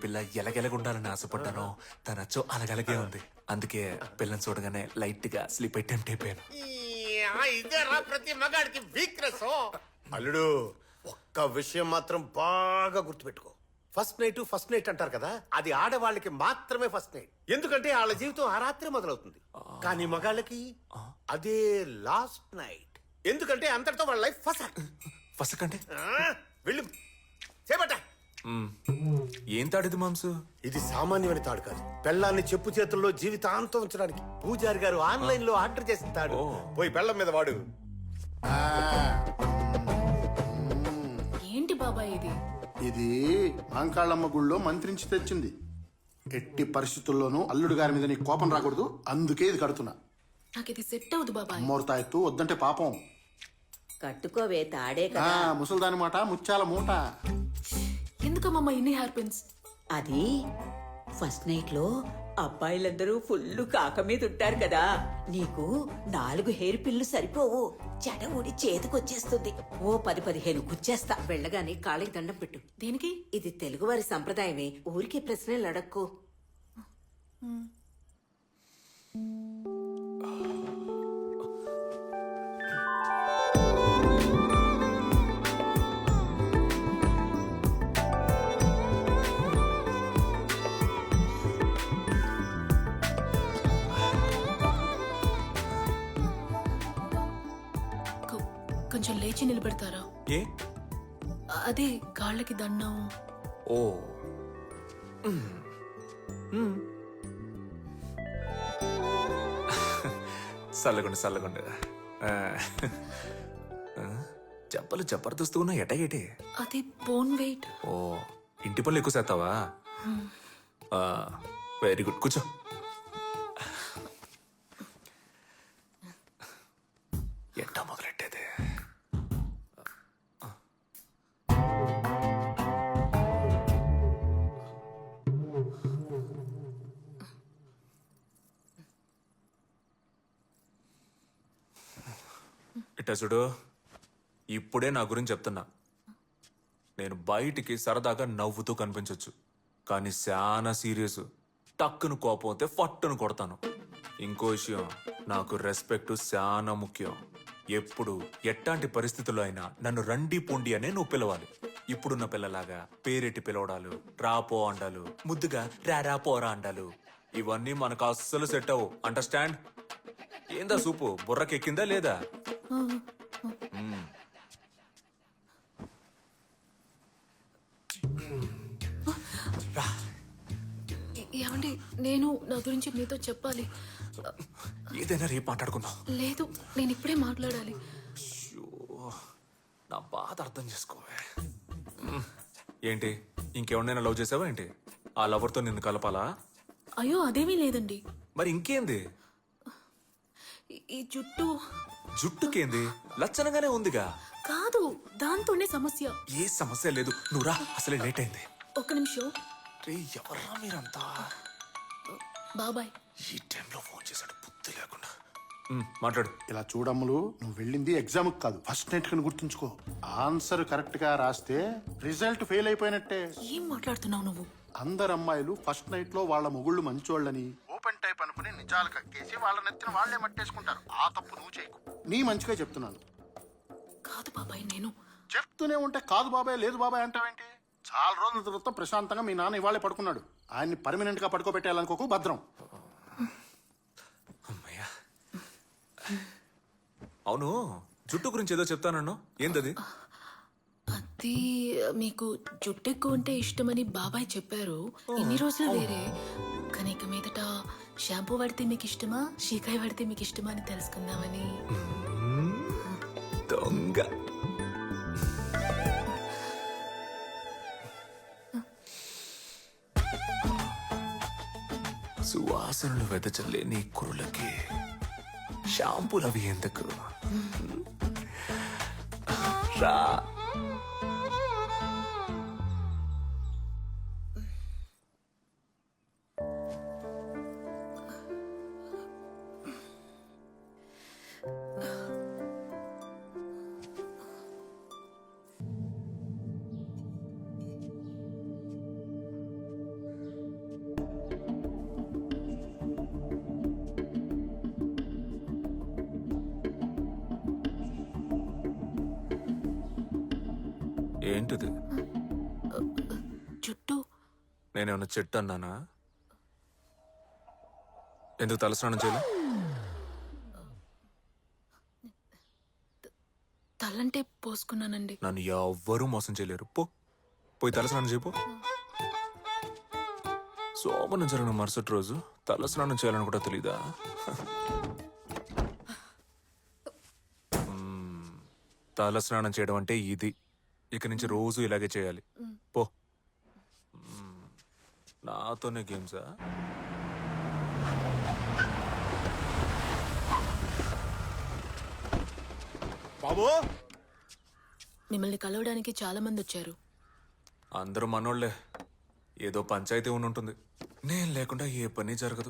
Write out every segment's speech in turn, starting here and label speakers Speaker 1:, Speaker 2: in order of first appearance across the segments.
Speaker 1: పిల్ల ఎలగెలగుండాలని ఆశపడ్డానో తనచ్చో అలగలగే ఉంది. అందుకే పిల్లని చూడగానే లైట్ గా స్లీప్ అటెంప్ట్ అయిపోయాను.
Speaker 2: ఇదేరా ప్రతి మగాడికి వీక్నెస్. అల్లుడు, ఒక్క విషయం మాత్రం బాగా గుర్తుపెట్టుకో. ఫస్ట్ నైట్ అంటారు కదా, అది ఆడవాళ్ళకి మాత్రమే ఫస్ట్ నైట్. ఎందుకంటే వాళ్ళ జీవితం ఆ రాత్రి మొదలవుతుంది. కానీ మగాళ్ళకి అదే లాస్ట్ నైట్. ఎందుకంటే అంతటితో వాళ్ళ లైఫ్
Speaker 1: ఫస్ట్ అంటే
Speaker 2: వెళ్ళు చేపట్ట.
Speaker 1: ఏం తాడిది మాంసు?
Speaker 2: ఇది సామాన్యమైన తాడు కాదు. పెళ్ళాన్ని చెప్పు చేతుల్లో జీవితాంతం ఉంచడానికి పూజారి గారు ఆన్లైన్ లో ఆర్డర్ చేసిన తాడు. పోయి పెళ్ళం మీద వాడు.
Speaker 3: ఏంటి బాబాయ్ ఇది?
Speaker 4: ఇది మాంకాళ్ళమ్మ గుళ్ళో మంత్రించి తెచ్చింది. ఎట్టి పరిస్థితుల్లోనూ అల్లుడు గారి మీద నీ కోపం రాకూడదు, అందుకే ఇది కడుతున్నా.
Speaker 3: నాకు ఇది సెట్ అవుదు బాబాయ్.
Speaker 4: మూర్తాయత్తు వద్దంటే పాపం.
Speaker 5: కట్టుకోవే తాడే కదా.
Speaker 4: ముసల్దాని మాట ముత్యాల మూట.
Speaker 3: ఎందుకమ్మా ఇన్ని హెయిర్ పిన్స్?
Speaker 5: అది ఫస్ట్ నైట్ లో అబ్బాయిలందరూ ఫుల్ కాక మీద ఉంటారు కదా, నీకు 4 హెయిర్ పిల్లు సరిపోవు. జడ ఊడి చేతికొచ్చేస్తుంది. ఓ 10-15 గుచ్చేస్తా. వెళ్ళగానే కాళ్ళకి దండం పెట్టు.
Speaker 3: దేనికి?
Speaker 5: ఇది తెలుగువారి సంప్రదాయమే, ఊరికే ప్రశ్నలు అడక్కు.
Speaker 3: కొంచెం లేచి నిలబెడతారా?
Speaker 1: ఏ?
Speaker 3: అదే కాళ్ళకి దండం.
Speaker 1: ఓ చల్లగుండు. చెప్పలు జబర్దస్త్ ఉన్నా ఎటగేటి.
Speaker 3: అది బోన్ వెయిట్.
Speaker 1: ఓ ఇంటి పనులు ఎక్కువ చేస్తావా? వెరీ గుడ్, కూర్చో. ఎట్టా మొదలెట్టేది? ఇట్టా చూడు, ఇప్పుడే నా గురించి చెప్తున్నా. నేను బయటికి సరదాగా నవ్వుతూ కనిపించొచ్చు, కానీ చాలా సీరియస్. టక్కును కోపం అయితే ఫట్టును కొడతాను. ఇంకో విషయం, నాకు రెస్పెక్ట్ చాలా ముఖ్యం. ఎప్పుడు ఎట్లాంటి పరిస్థితుల్లో అయినా నన్ను రండి పొండి అనే నువ్వు పిలవాలి. ఇప్పుడున్న పిల్లలాగా పేరెట్టి పిలవడాలు, రాపో అండాలు, ముద్దుగా రారా పోరా అండాలు, ఇవన్నీ మనకు అస్సలు సెట్ అవ్వు. అండర్స్టాండ్? ఏందా సూపు బుర్రకెక్కిందా లేదా?
Speaker 3: ఏమండి, నేను నా గురించి మీతో చెప్పాలి.
Speaker 1: ఏదైనా రేపు మాట్లాడుకుందాం.
Speaker 3: లేదు, నేను ఇప్పుడే మాట్లాడాలి.
Speaker 1: నా బాధ అర్థం చేసుకోవే. ఏంటి, ఇంకెవరినైనా లవ్ చేసావా ఏంటి? ఆ లవర్తో నిన్ను కలపాలా?
Speaker 3: అయ్యో అదేమీ లేదండి.
Speaker 1: మరి ఇంకేంది?
Speaker 3: ఈ జుట్టు.
Speaker 1: జుట్టుకేంది? లచ్చనగానే ఉందిగా.
Speaker 3: కాదు, దాంతోనే సమస్య.
Speaker 1: ఏ సమస్య లేదు, నువ్వు రా, అసలే లేట్ అయింది.
Speaker 3: ఒక్క నిమిషం.
Speaker 1: రే ఎవర్రా మీరంతా?
Speaker 3: బాబాయ్
Speaker 1: ఈ టైంలో ఫోన్ చేశాడు, బుద్ధి లేకుండా. మాట్లాడు.
Speaker 4: ఇలా చూడమ్ములు, నువ్వు వెళ్ళింది ఎగ్జామ్ కాదు, ఫస్ట్ నైట్ కని గుర్తుంచుకో. ఆన్సర్ కరెక్ట్ గా రాస్తే రిజల్ట్ ఫెయిల్ అయిపోయినట్టే.
Speaker 3: ఏం మాట్లాడుతున్నావు నువ్వు?
Speaker 4: అందరు అమ్మాయిలు ఫస్ట్ నైట్ లో వాళ్ళ మొగుళ్ళు మంచోళ్ళని ఓపెన్ టైప్ అనుకుని నిజాలు కక్కేసి వాళ్ళ నెత్తిన వాళ్లే మట్టేసుకుంటారు. ఆ తప్పు నువ్వు చేయకు. నీ మంచిగా చెప్తున్నాను.
Speaker 3: కాదు బాబాయ్, నేను
Speaker 4: చెప్తూనే ఉంటే కాదు బాబాయ్ లేదు బాబాయ్ అంటావేంటి? చాలా రోజుల తర్వాత ప్రశాంతంగా మీ నాన్న ఇవాళే పడుకున్నాడు. ఆయన్ని పర్మనెంట్ గా పడుకోబెట్టాలనుకోకు, భద్రం.
Speaker 1: అమ్మయ్యా. అవును, జుట్టు గురించి ఏదో చెప్తానన్ను, ఏంటది?
Speaker 3: అది మీకు జుట్టు ఎక్కువ ఉంటే ఇష్టమని బాబాయ్ చెప్పారు. ఇన్ని రోజులు వేరే, కానీ ఇక మీదట షాంపూ వాడితే మీకు ఇష్టమా, షీకాయ వాడితే మీకు ఇష్టమా అని తెలుసుకుందామని.
Speaker 1: దొంగ. సువాసనలు వెదజల్లే నీ కురులకి షాంపూలు అవి ఎందుకు? రా. ఏంటిది?
Speaker 3: జుట్టు
Speaker 1: నేనేమన్నా చెట్టు అన్నానా? ఎందుకు తలస్నానం చేయలే?
Speaker 3: తలంటే పోసుకున్నానండి.
Speaker 1: నన్ను ఎవ్వరూ మోసం చేయలేరు. పోయి తలస్నానం చేయపో. సోమనం జరిగిన మరుసటి రోజు తలస్నానం చేయాలని కూడా తెలీదా? తలస్నానం చేయడం అంటే ఇది. ఇక నుంచి రోజు ఇలాగే చేయాలి. పో. నాతోనే గేమ్సా?
Speaker 6: బాబు
Speaker 3: మిమ్మల్ని కలవడానికి చాలా మంది వచ్చారు.
Speaker 1: అందరూ మనోళ్లే. ఏదో పంచాయతీ ఉంటుంది. నేను లేకుండా ఏ పని జరగదు.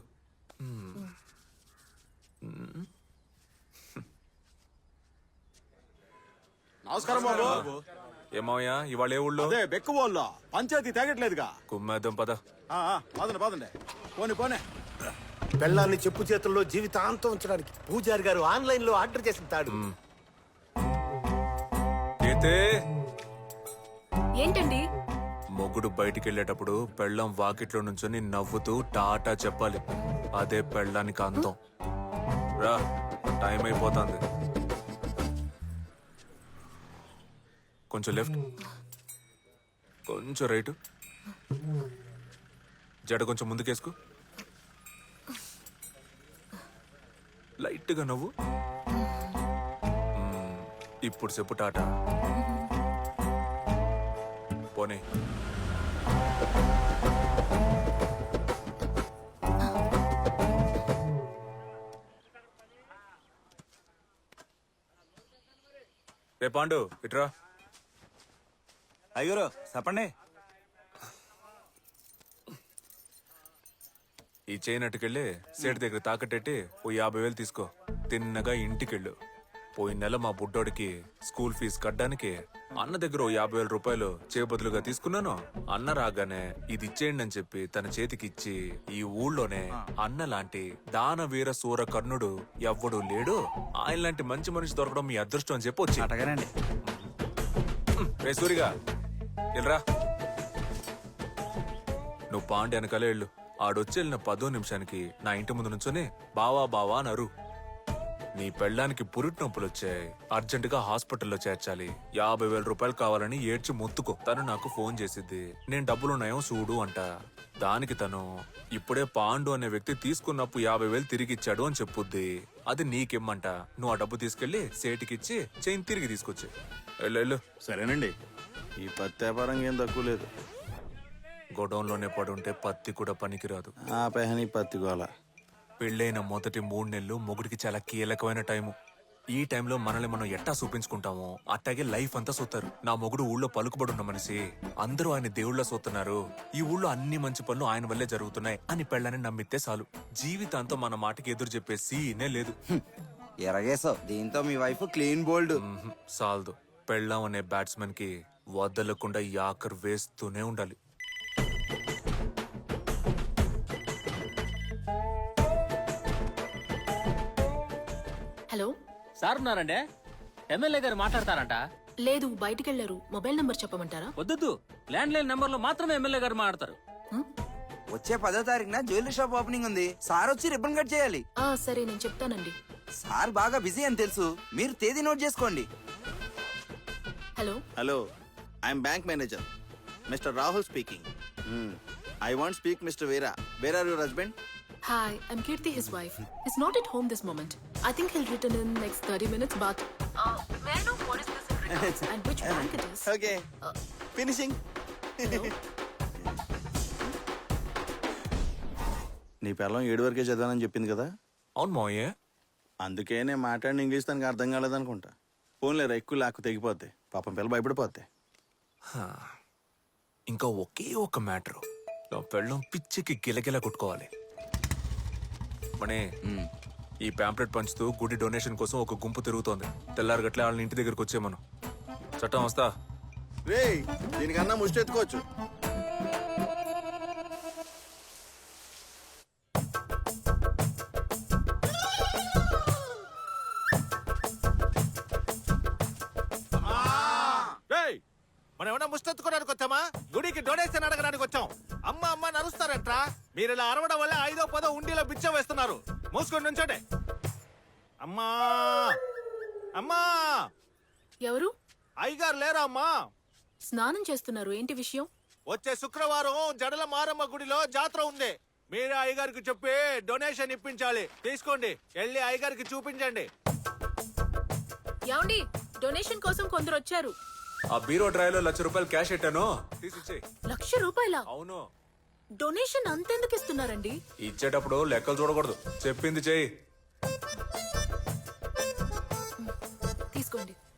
Speaker 6: నమస్కారం బాబు.
Speaker 1: ఏమోయా ఇవాళ ఏ ఊళ్ళో?
Speaker 6: అదే బెక్కుబోల్లో పంచాయతీ తేగట్లేదుగా.
Speaker 1: కుమ్మేద్దాం పద.
Speaker 6: పదండి పదండి. పోనీ
Speaker 2: పెళ్ళాన్ని చెప్పు చేతుల్లో జీవితాంతం ఉంచడానికి పూజారి గారు ఆన్లైన్ లో ఆర్డర్ చేసిన తాడు.
Speaker 1: అయితే
Speaker 3: ఏంటండి?
Speaker 1: మొగుడు బయటికి వెళ్ళేటప్పుడు పెళ్ళం వాకిట్లో నుంచొని నవ్వుతూ టాటా చెప్పాలి. అదే పెళ్ళానికి అందం. రా, టైం అయిపోతుంది. కొంచెం లెఫ్ట్, కొంచెం రైట్, జడ కొంచెం ముందుకేసుకో. లైట్గా నవ్వు. ఇప్పుడు చెప్పు టాటా. పోనీ. రే పాండు ఇట్రా.
Speaker 7: అయ్యూరు చెప్పండి.
Speaker 1: ఈ చేయనట్టుకెళ్ళి సేటు దగ్గర తాకట్టెట్టి ఓ 50,000 తీసుకో. తిన్నగా ఇంటికెళ్ళు. పోయిన నెల మా బుడ్డోడికి స్కూల్ ఫీజు కట్టడానికి అన్న దగ్గర ఓ 50,000 రూపాయలు చేయబదులుగా తీసుకున్నాను. అన్న రాగానే ఇది ఇచ్చేయండి అని చెప్పి తన చేతికి ఇచ్చి, ఈ ఊళ్ళోనే అన్న లాంటి దానవీర సూర కర్ణుడు ఎవ్వడూ లేడు, ఆయన లాంటి మంచి మనిషి దొరకడం మీ అదృష్టం అని చెప్పి వచ్చి.
Speaker 7: అటగానండి.
Speaker 1: రే సూరిగా వెళ్ళరా. నువ్వు పాండి వెనకాలే వెళ్ళు. ఆడొచ్చి వెళ్ళిన 10 నిమిషానికి నా ఇంటి ముందు నుంచొని బావా బావా నరు. నీ పెళ్ళానికి పురిటి నొప్పులు వచ్చాయి, అర్జెంటుగా హాస్పిటల్లో చేర్చాలి, 50,000 రూపాయలు కావాలని ఏడ్చి మొత్తుకో. తను నాకు ఫోన్ చేసిద్ది. నేను డబ్బులున్నాయో చూడు అంట. దానికి తను ఇప్పుడే పాండు అనే వ్యక్తి తీసుకున్నప్పుడు 50,000 తిరిగిచ్చాడు అని చెప్పుద్ది. అది నీకిమ్మంట. నువ్వు ఆ డబ్బు తీసుకెళ్లి సేటికిచ్చి చైన్ తిరిగి తీసుకొచ్చి వెళ్ళు.
Speaker 6: సరేనండి. ఈ పత్తి వ్యాపారం ఏం తక్కువ లేదు.
Speaker 1: గొడౌన్లోనే పడుంటే పత్తి కూడా పనికిరాదు.
Speaker 6: ఆ పెహని పత్తి గోల.
Speaker 1: పెళ్ళైన మొదటి 3 నెలలు మొగుడికి చాలా కీలకమైన టైము. ఈ టైంలో మనల్ని మనం ఎట్టా చూపించుకుంటామో అట్టాగే లైఫ్ అంతా సూతారు. నా మొగుడు ఊళ్ళో పలుకుబడున్న మనిషి, అందరూ ఆయన దేవుళ్ళ సూతున్నారు, ఈ ఊళ్ళో అన్ని మంచి పనులు ఆయన వల్లే జరుగుతున్నాయి అని పెళ్ళని నమ్మితే చాలు. జీవితాంతం మన మాటకి ఎదురు చెప్పే సీనే లేదు.
Speaker 7: ఎరగేసావు. దీంతో మీ వైఫ్ క్లీన్ బోల్డ్.
Speaker 1: సాల్దు. పెళ్ళాం అనే బ్యాట్స్మెన్ కి వదలకుండా యాకర్ వేస్తూనే ఉండాలి.
Speaker 3: హలో.
Speaker 8: సార్ ఉన్నారండి. ఎమ్మెల్యే గారు మాట్లాడతారంట.
Speaker 3: లేదు, బయటికి వెళ్ళారు. మొబైల్ నంబర్ చెప్పమంటారా?
Speaker 8: వద్దు, ల్యాండ్ లైన్ నంబర్ లో మాత్రమే ఎమ్మెల్యే గారు మాట్లాడతారు.
Speaker 7: వచ్చే 10వ తారీఖున జ్యువెలరీ షాప్ ఓపెనింగ్ ఉంది. సార్ వచ్చి రిబ్బన్ కట్ చేయాలి.
Speaker 3: సరే, నేను చెప్తానండి.
Speaker 7: సార్ బాగా బిజీ అని తెలుసు, మీరు తేదీ నోట్ చేసుకోండి.
Speaker 3: Hello.
Speaker 6: Hello, I'm bank manager mister Rahul speaking. I want speak mister Veera. Where are your husband?
Speaker 3: Hi, I'm Kirti, his wife. He's not at home this moment. I think he'll return in next 30 minutes, but... may I know what is this in regards and which bank it is?
Speaker 6: Okay, finishing. నీ పిల్లం 7 వరకే చదివానని చెప్పింది కదా.
Speaker 1: అవును మోయే.
Speaker 6: అందుకే నేను మాట్లాడిన English తనకు అర్థం కాలేదనుకుంటా. ఫోన్లేరా, ఎక్కువ లాక్కు తెగిపోద్ది. పాపం పిల్ల భయపడిపోద్ది.
Speaker 1: ఇంకా ఒకే ఒక మ్యాటరు. నా పెళ్ళం పిచ్చికి గిలగిలా కొట్టుకోవాలి. మనే, ఈ ప్యాంప్లెట్ పంచుతూ గుడి డొనేషన్ కోసం ఒక గుంపు తిరుగుతోంది. తెల్లారగట్లే వాళ్ళని ఇంటి దగ్గరకు వచ్చేమను. చట్టం వస్తా.
Speaker 6: రే, దీనికన్నా ముష్టి ఎత్తుకోవచ్చు.
Speaker 9: మనం గుడికి డొనేషన్ అడగడానికి వచ్చాం. అమ్మ అమ్మ నరుస్తారంట్రా. మీరు ఇలా అరవడం వల్ల 5వ 10వ ఉండిలో బిచ్చం వేస్తున్నారు. మూసుకొని నుంచోండి. అమ్మా అమ్మా,
Speaker 3: ఎవరు?
Speaker 9: అయ్యగారు లేరా అమ్మా?
Speaker 3: స్నానం చేస్తున్నారు, ఏంటి విషయం?
Speaker 9: వచ్చే శుక్రవారం జడల మారమ్మ గుడిలో జాతర ఉంది. మీరే అయ్యగారికి చెప్పి డొనేషన్ ఇప్పించాలి. తీసుకోండి, వెళ్ళి అయ్యగారికి చూపించండి.
Speaker 3: ఏమండి, డొనేషన్ కోసం కొందరు వచ్చారు.
Speaker 1: ఆ బీరో డ్రైవ్లో ₹1,00,000 క్యాష్ పెట్టాను, తీసిచ్చే.
Speaker 3: ₹1,00,000?
Speaker 1: అవును.
Speaker 3: డొనేషన్ అంతెందుకు ఇస్తున్నారండి?
Speaker 1: ఇచ్చేటప్పుడు లెక్కలు చూడకూడదు, చెప్పింది చెయ్యి.
Speaker 3: తీసుకోండి.